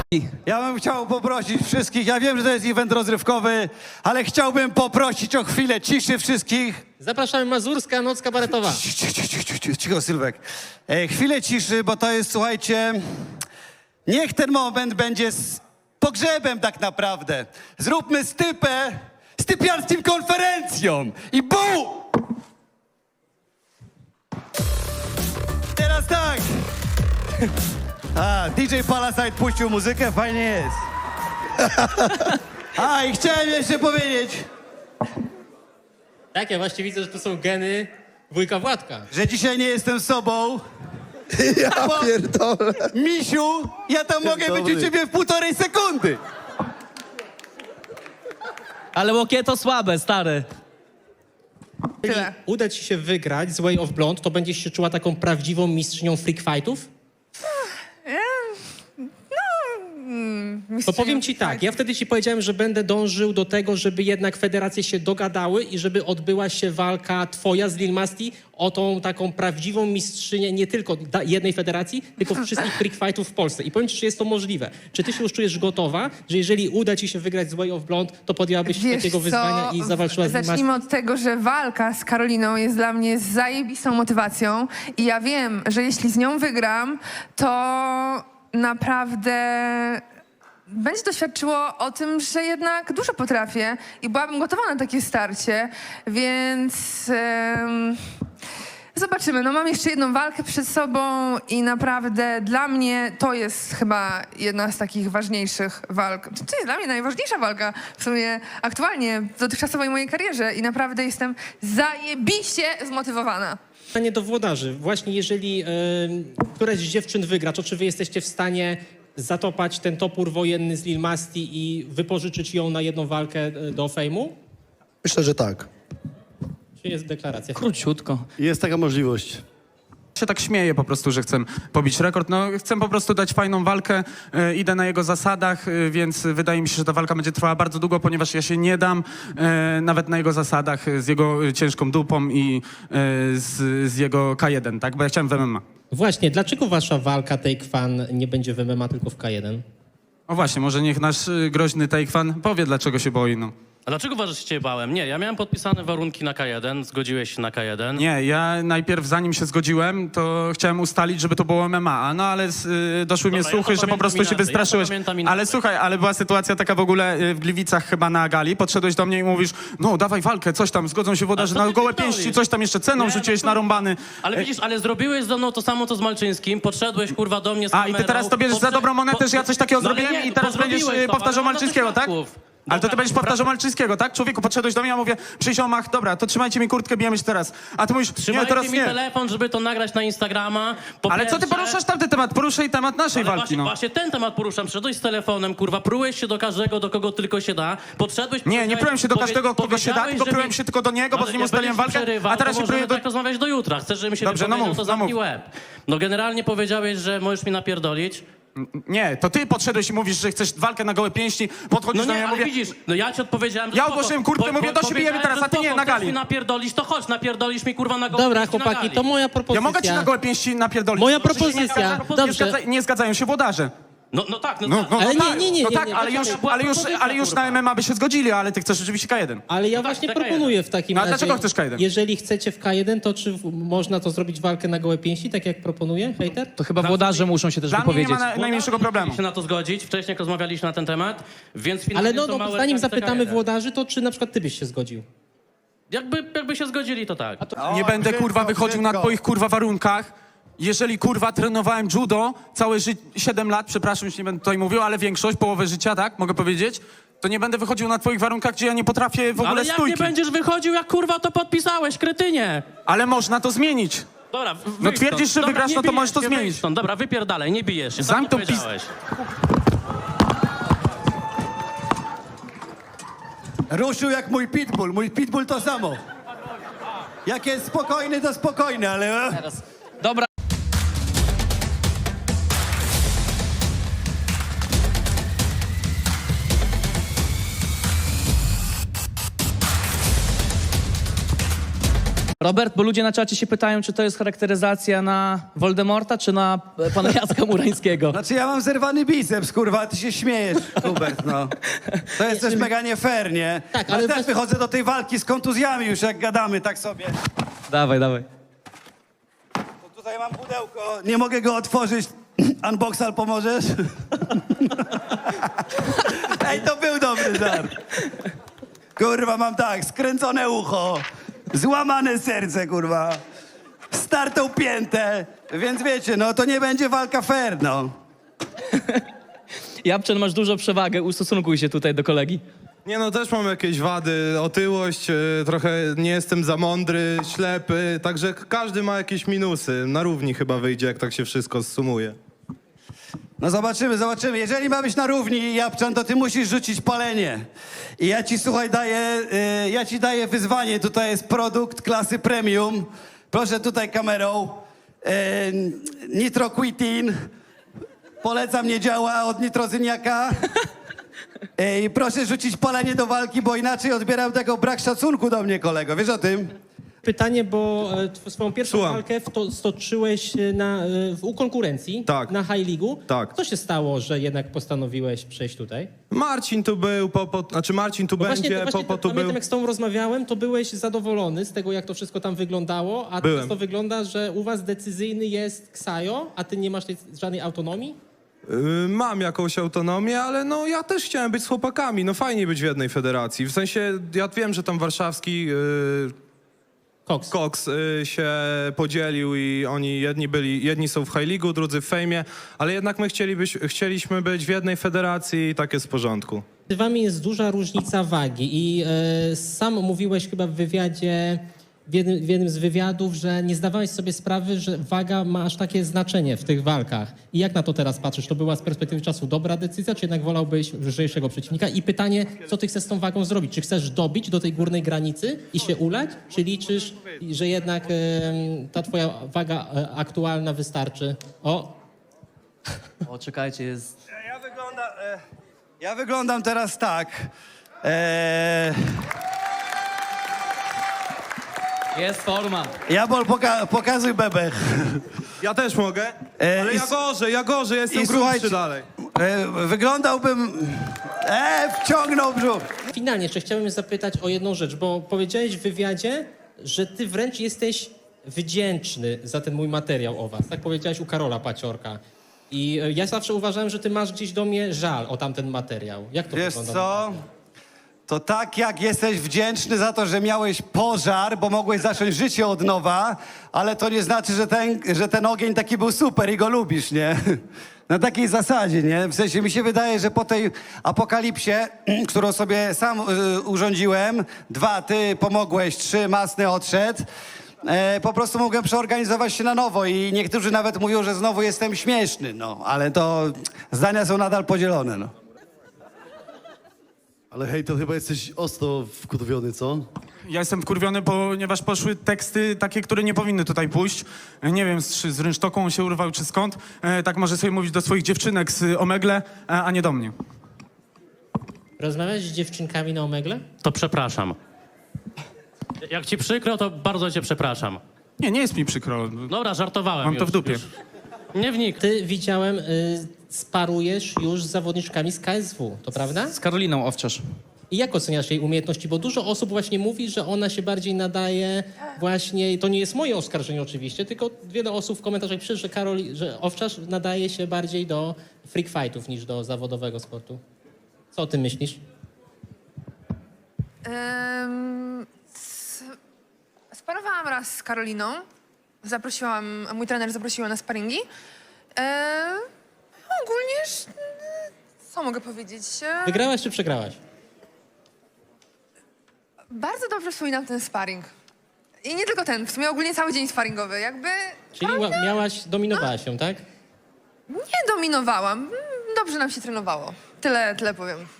Ja bym chciał poprosić wszystkich, ja wiem, że to jest event rozrywkowy, ale chciałbym poprosić o chwilę ciszy wszystkich. Zapraszamy, Mazurska Noc Kabaretowa. Cicho, Sylwek. Chwilę ciszy, bo to jest, słuchajcie, niech ten moment będzie z pogrzebem tak naprawdę. Zróbmy stypę z typiarskim konferencją i bu! Teraz tak. A, DJ Palasite puścił muzykę, fajnie jest. A, i chciałem jeszcze powiedzieć, Tak, ja właśnie widzę, że to są geny wujka Władka. że dzisiaj nie jestem sobą. Ja pierdolę. Misiu, ja tam mogę być u ciebie w 1,5 sekundy. Ale łokie to słabe, stary. Jeżeli uda ci się wygrać z Way of Blonde, to będziesz się czuła taką prawdziwą mistrzynią freak fightów? To powiem ci tak, ja wtedy ci powiedziałem, że będę dążył do tego, żeby jednak federacje się dogadały i żeby odbyła się walka twoja z Lil Masti o tą taką prawdziwą mistrzynię nie tylko jednej federacji, tylko wszystkich freak fightów w Polsce. I powiem ci, czy jest to możliwe. Czy ty się już czujesz gotowa, że jeżeli uda ci się wygrać z Way of Blonde, to podjęłabyś się takiego wyzwania i zawalczyła z Lil Masti? Zacznijmy od tego, że walka z Karoliną jest dla mnie zajebistą motywacją i ja wiem, że jeśli z nią wygram, to naprawdę będzie to świadczyło o tym, że jednak dużo potrafię i byłabym gotowa na takie starcie, więc zobaczymy. No mam jeszcze jedną walkę przed sobą i naprawdę dla mnie to jest chyba jedna z takich ważniejszych walk. To jest dla mnie najważniejsza walka w sumie aktualnie w dotychczasowej mojej karierze i naprawdę jestem zajebiście zmotywowana. Pytanie do włodarzy. Właśnie jeżeli któraś z dziewczyn wygra, to czy wy jesteście w stanie zatopać ten topór wojenny z Lil Masti i wypożyczyć ją na jedną walkę do fejmu? Myślę, że tak. Czy jest deklaracja? Króciutko. Jest taka możliwość. Się tak śmieję po prostu, że chcę pobić rekord. No, chcę po prostu dać fajną walkę, idę na jego zasadach, więc wydaje mi się, że ta walka będzie trwała bardzo długo, ponieważ ja się nie dam nawet na jego zasadach z jego ciężką dupą i z jego K1, tak? Bo ja chciałem w MMA. Właśnie, dlaczego wasza walka Take Fan nie będzie w MMA, tylko w K1? O właśnie, może niech nasz groźny Take-fan powie, dlaczego się boi, no. A dlaczego uważasz, że się cię bałem? Nie, ja miałem podpisane warunki na K1, zgodziłeś się na K1. Nie, ja najpierw zanim się zgodziłem, to chciałem ustalić, żeby to było MMA, no ale doszły mnie Dobra, ja to słuchy, że po pamiętam prostu się inaczej, wystraszyłeś. ja to pamiętam inaczej. Ale słuchaj, ale była sytuacja taka w ogóle w Gliwicach chyba na gali, podszedłeś do mnie i mówisz, no dawaj walkę, coś tam, zgodzą się włodarze Ale co na ty gołe pierdolisz? pięści, coś tam jeszcze ceną Nie, rzuciłeś no to- narąbany. Ale widzisz, ale zrobiłeś ze mną to samo, co z Malczyńskim, podszedłeś kurwa do mnie z A, kamerą. i ty teraz to bierzesz za dobrą monetę, że ja coś takiego No ale zrobiłem nie, i teraz bo będziesz zrobiłeś to, powtarzał ale mam Malczyńskiego, tak? świadków. Ale to ty Dobra, będziesz powtarzał Malczyńskiego, tak? Człowieku, podszedłeś do mnie, ja mówię, przyjść o mach, dobra, to trzymajcie mi kurtkę, bijemy się teraz. A ty mówisz, nie, Trzymajcie teraz mi nie. telefon, żeby to nagrać na Instagrama. Po Ale co ty pierwsze- poruszasz tamten temat? Poruszaj temat naszej Ale walki, właśnie, no. właśnie ten temat poruszam. Przyszedłeś z telefonem, kurwa, prułeś się do każdego, do kogo tylko się da. Podszedłeś... Nie prułem się do każdego, kogo się da, powiedziałeś, tylko że prułem mi- się tylko do niego, bo Ale z nim jak ustaliłem będziesz walkę, przerywał, a teraz to się pruję możemy do... tak rozmawiać do jutra. Chcesz, żebym się Dobrze, no wypowiedział, mów, to no zamknij mów. łeb. No generalnie powiedziałeś, że możesz mi napierdolić. Nie, to ty podszedłeś i mówisz, że chcesz walkę na gołe pięści, podchodzisz No do nie, mnie, ja ale mówię... widzisz, no ja ci odpowiedziałem, że Ja spoko. ogłosiłem kurtkę, mówię, do siebie bijemy teraz, a ty nie, na gali. Chcesz mi napierdolić, to chodź, napierdolisz mi kurwa na gołe Dobra, pięści na chłopaki, gali. to moja propozycja. Ja mogę ci na gołe pięści napierdolić. Moja Oczywiście propozycja, nie dobrze. nie zgadzają się włodarze. No tak, no, No, tak. no, Ale no nie, tak, nie, nie, no nie, tak, nie, ale nie, już, nie, ale już na MMA by się zgodzili, ale ty chcesz rzeczywiście K1. Ale ja No tak, właśnie chcę K1. proponuję w takim No a razie... dlaczego chcesz K1? Jeżeli chcecie w K1, to czy można to zrobić walkę na gołe pięści, tak jak proponuje hejter? To chyba włodarze muszą się też Dla mnie nie wypowiedzieć. ma najmniejszego problemu. się na to zgodzić, wcześniej jak rozmawialiśmy na ten temat, więc finalnie Ale no, to no małe zanim RCK1. zapytamy włodarzy, to czy na przykład ty byś się zgodził? Jakby się zgodzili, to tak. Nie będę kurwa wychodził na twoich kurwa warunkach. Jeżeli kurwa trenowałem judo całe 7 lat, przepraszam, już nie będę tutaj mówił, ale większość, połowę życia, tak, mogę powiedzieć, to nie będę wychodził na twoich warunkach, gdzie ja nie potrafię w ogóle Ale jak stójki. nie będziesz wychodził, jak kurwa to podpisałeś, kretynie! Ale można to zmienić. Dobra, No twierdzisz, że wygrasz, nie no to bijesz możesz to się, zmienić. wyjdź stąd. Dobra, wypierdalaj, nie bijesz się, sam Zamknij to tą pis- powiedziałeś. ruszył jak mój pitbull. Mój pitbull to samo. Jak jest spokojny, to spokojny, ale... Dobra. Robert, bo ludzie na czacie się pytają, czy to jest charakteryzacja na Voldemorta, czy na pana Jacka Murańskiego. Znaczy ja mam zerwany biceps, kurwa, a ty się śmiejesz, Hubert, no. To jest też mega nie fair, nie? Tak, ale ale też też- wychodzę do tej walki z kontuzjami już, jak gadamy, tak sobie. Dawaj. To tutaj mam pudełko, nie mogę go otworzyć. Unboxal, pomożesz? Ej, to był dobry żart. Kurwa, mam tak, skręcone ucho, złamane serce, kurwa, startą piętę, więc wiecie, no to nie będzie walka fair, no. Japczan, masz dużą przewagę, ustosunkuj się tutaj do kolegi. Nie no, też mam jakieś wady, otyłość, trochę nie jestem za mądry, ślepy, także każdy ma jakieś minusy. Na równi chyba wyjdzie, jak tak się wszystko zsumuje. No zobaczymy. Jeżeli ma być na równi, Japczan, to ty musisz rzucić palenie. I ja ci, słuchaj, daję wyzwanie. Tutaj jest produkt klasy premium. Proszę tutaj kamerą. Nitroquitin. Polecam, nie działa, od nitrozyniaka. I proszę rzucić palenie do walki, bo inaczej odbieram tego brak szacunku do mnie, kolego. Wiesz o tym? Pytanie, bo swoją pierwszą Słucham. walkę stoczyłeś u konkurencji Tak. na High League'u. Tak. Co się stało, że jednak postanowiłeś przejść tutaj? Marcin tu był, Marcin tu Bo będzie, Popo tu pamiętam, był. jak z tobą rozmawiałem, to byłeś zadowolony z tego, jak to wszystko tam wyglądało, a Byłem. teraz to wygląda, że u was decyzyjny jest Ksajo, a ty nie masz żadnej autonomii? Mam jakąś autonomię, ale no ja też chciałem być z chłopakami, no fajnie być w jednej federacji. W sensie, ja wiem, że tam warszawski Cox. Cox się podzielił i oni jedni są w High League'u, drudzy w Fejmie, ale jednak my chcieliśmy być w jednej federacji i tak jest w porządku. Między wami jest duża różnica wagi i sam mówiłeś chyba w wywiadzie, w jednym z wywiadów, że nie zdawałeś sobie sprawy, że waga ma aż takie znaczenie w tych walkach. I jak na to teraz patrzysz? To była z perspektywy czasu dobra decyzja, czy jednak wolałbyś lżejszego przeciwnika? I pytanie, co ty chcesz z tą wagą zrobić? Czy chcesz dobić do tej górnej granicy i się ulać? Czy liczysz, że jednak ta twoja waga aktualna wystarczy? O, O, czekajcie, jest... Ja wyglądam teraz tak. Jest forma. Jabol, pokazuj bebech. Ja też mogę, ale ja gorzej, jestem i grubszy słuchajcie, dalej. Wyglądałbym... wciągnął brzuch. finalnie jeszcze chciałbym zapytać o jedną rzecz, bo powiedziałeś w wywiadzie, że ty wręcz jesteś wdzięczny za ten mój materiał o was. Tak powiedziałeś u Karola Paciorka. I ja zawsze uważałem, że ty masz gdzieś do mnie żal o tamten materiał. Jak to Wiesz wygląda? co? To tak jak jesteś wdzięczny za to, że miałeś pożar, bo mogłeś zacząć życie od nowa, ale to nie znaczy, że ten ogień taki był super i go lubisz, nie? Na takiej zasadzie, nie? W sensie mi się wydaje, że po tej apokalipsie, którą sobie sam urządziłem, 2, ty pomogłeś, 3, Masny odszedł, po prostu mogłem przeorganizować się na nowo i niektórzy nawet mówią, że znowu jestem śmieszny, no. Ale to zdania są nadal podzielone, no. Ale hej, to chyba jesteś ostro wkurwiony, co? Ja jestem wkurwiony, ponieważ poszły teksty takie, które nie powinny tutaj pójść. Nie wiem, z rynsztoką on się urwał, czy skąd. Tak może sobie mówić do swoich dziewczynek z Omegle, a nie do mnie. Rozmawiałeś z dziewczynkami na Omegle? To przepraszam. Jak ci przykro, to bardzo cię przepraszam. Nie jest mi przykro. Dobra, żartowałem Mam to już, w dupie. już. Nie wnik. Ty, widziałem, sparujesz już z zawodniczkami z KSW, to prawda? Z Karoliną Owczarz. I jak oceniasz jej umiejętności? Bo dużo osób właśnie mówi, że ona się bardziej nadaje właśnie, i to nie jest moje oskarżenie oczywiście, tylko wiele osób w komentarzach pisze, że Owczarz nadaje się bardziej do freak fightów niż do zawodowego sportu. Co o tym myślisz? Sparowałam raz z Karoliną. Mój trener zaprosił ją na sparingi. Ogólnie, co mogę powiedzieć? Wygrałaś czy przegrałaś? Bardzo dobrze wspominam ten sparring. I nie tylko ten, w sumie ogólnie cały dzień sparingowy. Jakby Czyli dominowałaś ją, tak? nie dominowałam. Dobrze nam się trenowało. Tyle powiem.